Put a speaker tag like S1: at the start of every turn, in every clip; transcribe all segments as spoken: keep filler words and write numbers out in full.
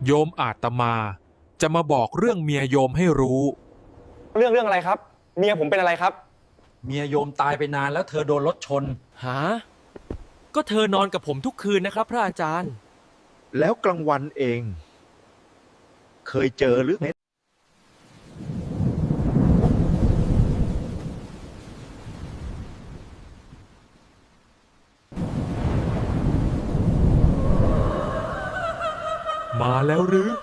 S1: โยมอาตมาจะมาบอกเรื่องเมียโยมให้รู้
S2: เรื่องเรื่องอะไรครับเมียผมเป็นอะไรครับ
S3: เมียโยมตายไปนานแล้วเธอโดนรถชน
S4: ฮะก็เธอนอนกับผมทุกคืนนะครับพระอาจารย์
S5: แล้วกลางวันเอง เคยเจอหรือไง
S1: มาแล้วหรือ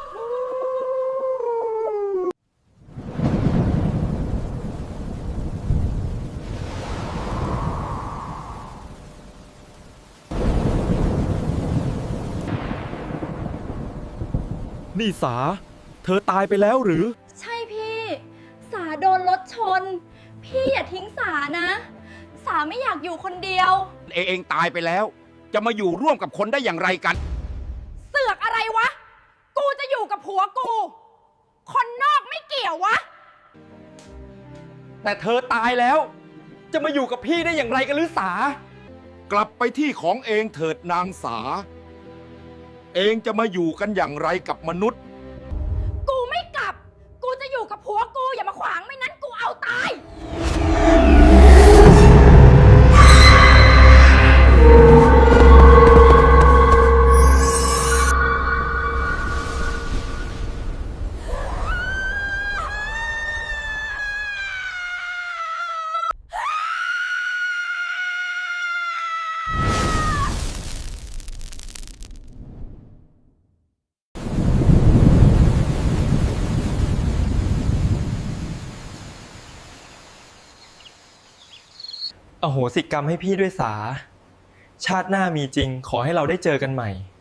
S1: นี่สาเธอตายไปแล้วหรือ
S6: ใช่พี่สาโดนรถชนพี่อย่าทิ้งสานะสาไม่อยากอยู่คนเดียว
S7: เองเองตายไปแล้วจะมาอยู่ร่วมกับคนได้อย่างไรกัน
S6: เสือกอะไรวะกูจะอยู่กับผัวกูคนนอกไม่เกี่ยววะ
S2: แต่เธอตายแล้วจะมาอยู่กับพี่ได้อย่างไรกันหรือสาก
S7: ลับไปที่ของเองเถิดนางสา เองจะมาอยู่กันอย่างไรกับมนุษย์
S6: กูไม่กลับกูจะอยู่กับผัวกูอย่ามาขวางไม่นั้นกูเอาตาย
S4: อโหสิกรรมให้พี่ด้วยสาชาติหน้ามีจริงขอให้เราได้เจอกันใหม่